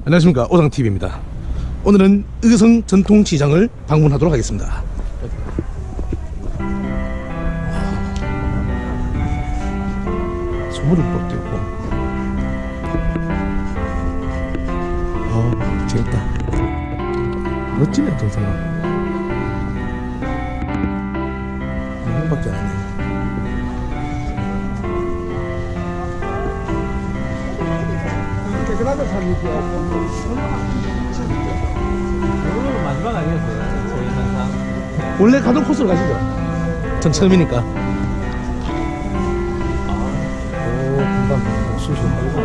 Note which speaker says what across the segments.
Speaker 1: 안녕하십니까, 오상TV입니다. 오늘은 의성 전통시장을 방문하도록 하겠습니다. 소머리국밥도 있고. 재밌다. 멋지네, 동생아. 이거밖에 안 해.
Speaker 2: 오늘 마지막 아니었어요? 저희 항상
Speaker 1: 원래 가던 코스로 가시죠. 전 처음이니까. 오, 금방 쑤셔.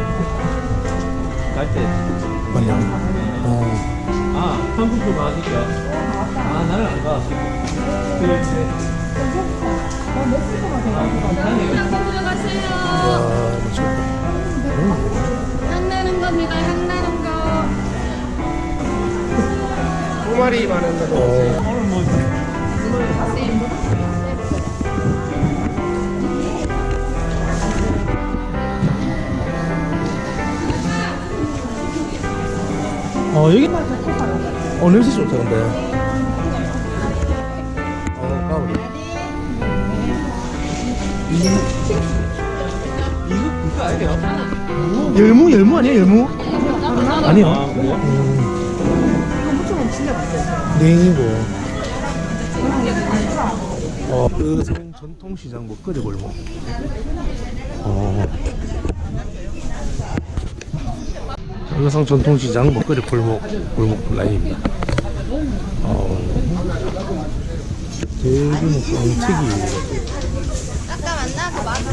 Speaker 2: 갈때
Speaker 1: 맞냐?
Speaker 2: 한국도 가니까 나는 안 가. 그렇지.
Speaker 3: 들어가세요.
Speaker 1: 와, 멋있다.
Speaker 3: 향 나는 겁니다. 향 나는 거.
Speaker 1: 두 마리 많은 거.
Speaker 2: 오늘 뭐
Speaker 1: 여기 냄새 좋다, 근데. 까오리.
Speaker 2: 이거 아니에요?
Speaker 1: 열무 아니야, 열무? 아니요.
Speaker 2: 그래요?
Speaker 3: 이거 무쳐면 진짜 맛있어요.
Speaker 1: 냉이고. 의성 전통시장 먹거리 골목. 의성 전통시장 먹거리 골목 라인입니다. 대규모 뻥튀기.
Speaker 3: 아까 만나서 맛있어.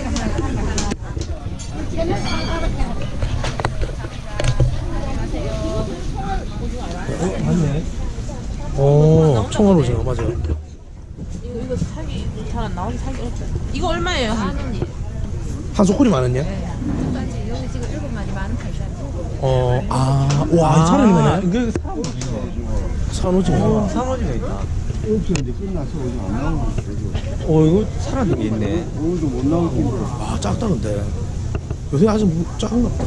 Speaker 1: 맞네. 청아로 오징어 맞아요.
Speaker 4: 이거 사기 잘 안 나오는 사기 없죠. 이거 얼마예요? 한 원이?
Speaker 1: 한 소쿠리 많았냐?
Speaker 3: 여기 지금 7마리 15,000원.
Speaker 1: 와, 사람이 많네.
Speaker 2: 이게
Speaker 1: 산오징어.
Speaker 2: 상어지가 있다.
Speaker 5: 이제 끝나서 오늘 안 나오는 거죠.
Speaker 2: 이거 사라진 게 있네.
Speaker 5: 오늘도 못 나올 텐데.
Speaker 1: 작다, 근데. 요새 아직 작은가 보다.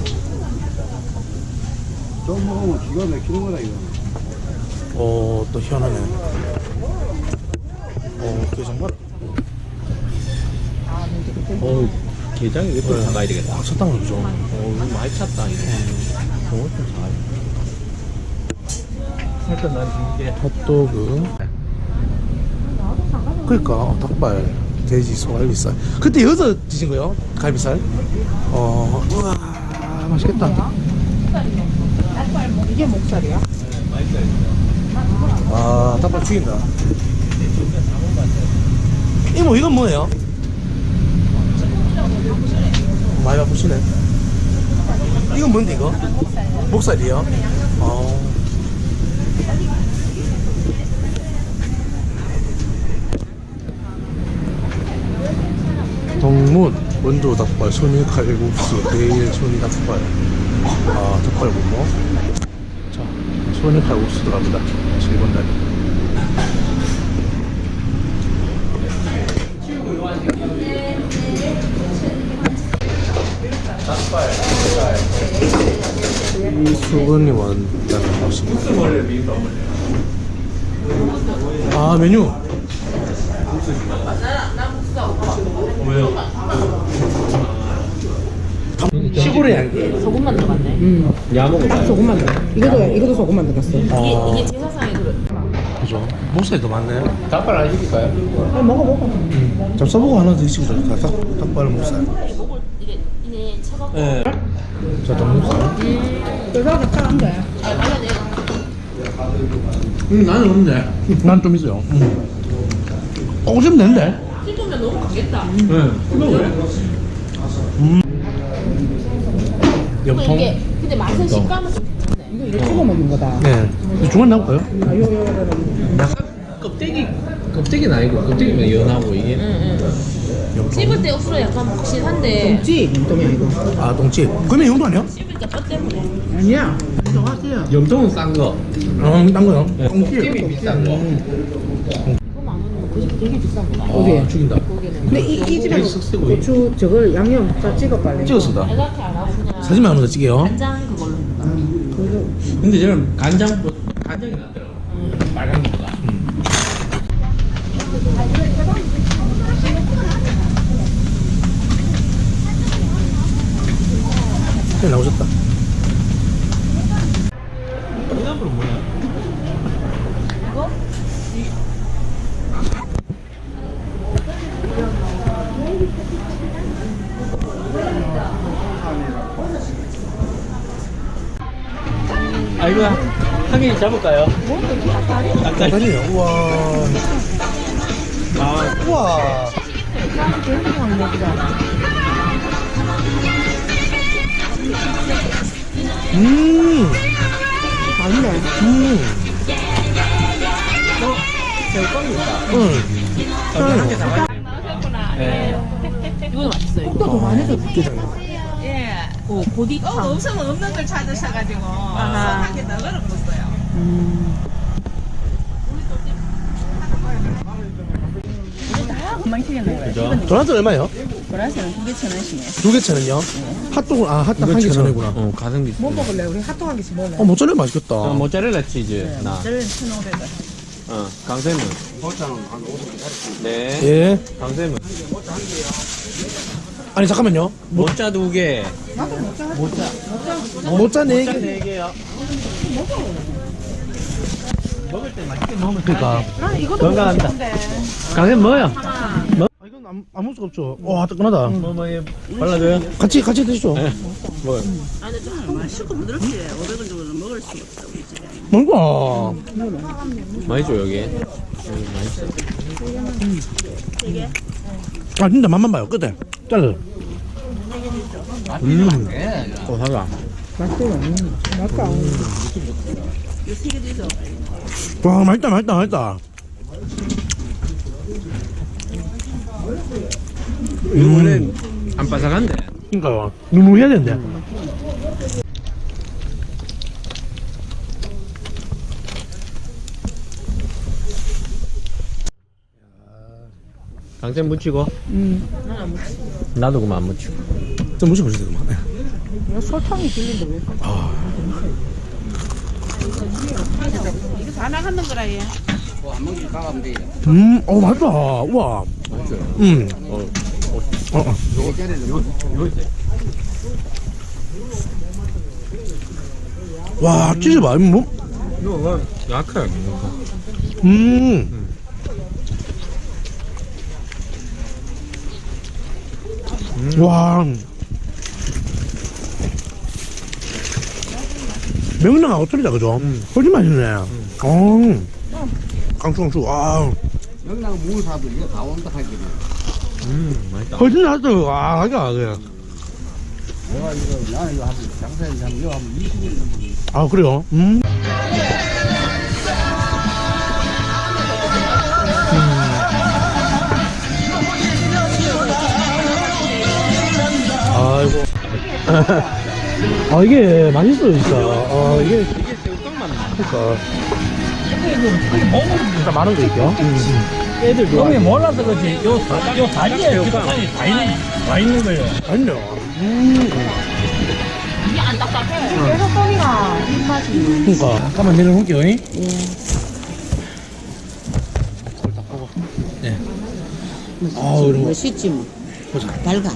Speaker 5: 좀 먹으면 기가 막히는 거다, 이거.
Speaker 1: 또 희한하네. 게장 봐.
Speaker 2: 게장이 왜 또 사가야 되겠다.
Speaker 1: 쳤다는 거죠.
Speaker 2: 이거 많이 찼다, 이거. 저거 좀 사가야 일단 난 이게
Speaker 1: 핫도그. 그러니까 닭발, 돼지, 소갈비살. 그때 여기서 드신 거요? 갈비살? 우와, 맛있겠다.
Speaker 4: 이게 목살이야?
Speaker 1: 닭발 죽인다. 이모, 이건 뭐예요? 많이 바쁘시네. 이건 뭔데, 이거? 목살이요? 동문, 원조 닭발, 손이 칼국수, 내일 손이 닭발. 닭발 굽고. 자, 손이 칼국수 들어갑니다. 7번 다리. 이 수건이 왔다는 것입니다. 메뉴. 시골의 향기.
Speaker 4: 소금만 들어갔네.
Speaker 2: 야먹어.
Speaker 4: 소금만 들어. 이것도 소금만 들어갔어. 이게 제사상에 들어.
Speaker 1: 그죠? 목살이 더 많네.
Speaker 2: 닭발 안 시킬까요?
Speaker 4: 먹어.
Speaker 1: 좀 써보고 하나 드시고 닭발 목살.
Speaker 4: 먹을 이게 차갑고.
Speaker 2: 네.
Speaker 1: 자, 닭목살.
Speaker 4: 그래서 차가운 거야. 맞아,
Speaker 2: 나는 없네.
Speaker 1: 난 좀 있어요. 오시면 되는데.
Speaker 4: 씹으면 너무 가겠다.
Speaker 2: 네.
Speaker 1: 염통.
Speaker 4: 이게 근데 맛은 식감은 좀 괜찮네.
Speaker 5: 이거 찍어 먹는 거다.
Speaker 1: 네. 중간 나올까요?
Speaker 2: 껍데기는 아니고 껍데기면 연하고 이게.
Speaker 4: 씹을 때 억수로 약간 묵신한데
Speaker 5: 찌 염통이 아니고.
Speaker 1: 동치. 그러면 용도 아니야?
Speaker 4: 씹으니까 뼈 때문에.
Speaker 5: 아니야. 인정하세요.
Speaker 2: 염통은 싼 거.
Speaker 1: 딴 거요?
Speaker 2: 껍데기 비싼 거.
Speaker 4: 이거 만 원이면 그 집 되게 비싼 거다.
Speaker 5: 어디?
Speaker 1: 죽인다.
Speaker 4: 고기는.
Speaker 5: 근데 이 집에
Speaker 2: 쓱쓱이.
Speaker 5: 고추 저걸 양념 다 찍어 빨리.
Speaker 1: 찍었습니다.
Speaker 4: 이렇게 안 하고 그냥
Speaker 1: 사진만 하는 거 찍게요.
Speaker 4: 간장 그걸로.
Speaker 5: 그거
Speaker 2: 근데 저는 간장이 낫더라고. 빨간 거보다.
Speaker 1: 네, 나오셨다.
Speaker 2: 이나물은 뭐야? 아 이거 한 개 잡을까요? 닭다리.
Speaker 1: 아니에요. 우와.
Speaker 2: 아
Speaker 1: 우와.
Speaker 4: 맛있네.
Speaker 2: 네.
Speaker 4: 이거도 맛있어요.
Speaker 1: 또 더 많이 더 붙게
Speaker 6: 예.
Speaker 4: 고디탕.
Speaker 6: 없으면 없는 걸 찾으셔가지고
Speaker 4: 아하.
Speaker 6: 하게 너그러 먹었어요.
Speaker 4: 금방 튀겠네.
Speaker 2: 그죠?
Speaker 1: 도넛 얼마요?
Speaker 6: 보라색은 2개 1,000원씩이네.
Speaker 1: 2개 1,000원이요? 핫도그 한 개 1,000원이구나.
Speaker 2: 가성비.
Speaker 6: 뭐 먹을래? 우리 핫도그 한 개씩 먹을래?
Speaker 1: 모짜렐라 맛있겠다.
Speaker 2: 모짜렐라 치즈 나.
Speaker 6: 저는 1,500원.
Speaker 2: 강세문. 네.
Speaker 1: 예.
Speaker 2: 강세문.
Speaker 1: 아니 잠깐만요.
Speaker 2: 모짜 2개.
Speaker 1: 모짜 4개.
Speaker 2: 4개요. 먹을 때 맛있게 먹으면
Speaker 1: 그러니까.
Speaker 2: 건강합니다. 강세문 뭐요?
Speaker 1: 아, 이건 아무 수가 없죠. 와 뜨끈하다.
Speaker 2: 뭐 발라줘요?
Speaker 1: 같이 드시죠.
Speaker 2: 네. 뭐요?
Speaker 6: 아니, 좀 맛있고 부드럽지. 500원 정도는 먹을 수 없어.
Speaker 1: 뭔가.
Speaker 2: 많이 줘 여기. 맛있어.
Speaker 1: 아 진짜 맛만 봐요. 끝에. 잘라.
Speaker 2: 고사가.
Speaker 1: 와 맛있다.
Speaker 2: 이거 원래 안 바삭한데.
Speaker 1: 그러니까요. 누무해야 되는데.
Speaker 2: 강세 묻히고. 나도 그만 안 묻히고.
Speaker 1: 좀 무시 보시죠 그만.
Speaker 4: 설탕이 들린다 왜?
Speaker 6: 이거 다 나가는 거라, 얘.
Speaker 1: 맛있다. 우와. 와 치즈 봐. 뭐?
Speaker 2: 이거 약해.
Speaker 1: 와. 명랑하고 틀리다 그죠? 훨씬 맛있네. 강추. 와.
Speaker 5: 명랑 무사도 이거 다 온다 하기는.
Speaker 2: 맛있다.
Speaker 1: 훨씬 낫다. 와 하기가 그래.
Speaker 5: 내가 이거 나는 이거 한 장사했는데 한 이거 한 20년 정도.
Speaker 1: 아 그래요? 아이고. 아 이게 맛있어요 진짜. 아 이게
Speaker 2: 새우깡만 나.
Speaker 1: 그러니까. 진짜 많은 거 있죠.
Speaker 2: 애들 좋아.
Speaker 7: 형이 몰라서 그렇지. 요 다리에 기록관이 다 있는 거예요.
Speaker 1: 아니요.
Speaker 4: 계속 떡이가 입맛이.
Speaker 1: 그러니까. 잠깐만 내려놓을게요. 예. 네. 아 이런 거.
Speaker 6: 멋있지, 뭐.
Speaker 1: 보자.
Speaker 6: 밝아.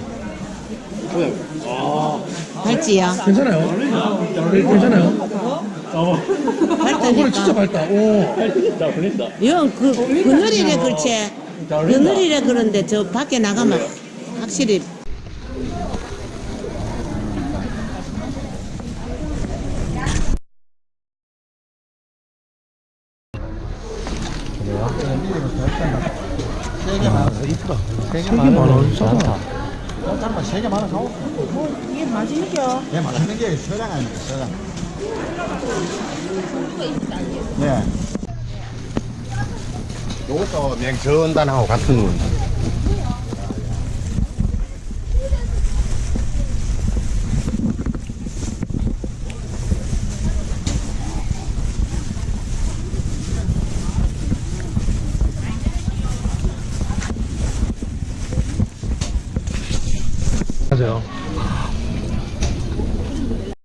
Speaker 6: 밝지야?
Speaker 1: 괜찮아요? 괜찮아요? 진짜
Speaker 6: 밝다니까.
Speaker 1: 밝다. 오.
Speaker 6: 이건 그늘이래, 그렇지. 그늘이래, 그런데 저 밖에 나가면 확실히.
Speaker 1: 이쁘다. 3개 만원 싸다.
Speaker 5: 잠깐만 3개 많아 사오.
Speaker 4: 이게 맛있죠?
Speaker 5: 얘 맛있는 게 서장 아닙니까 서장. 네. 요것도 냉전단하고 같은 운.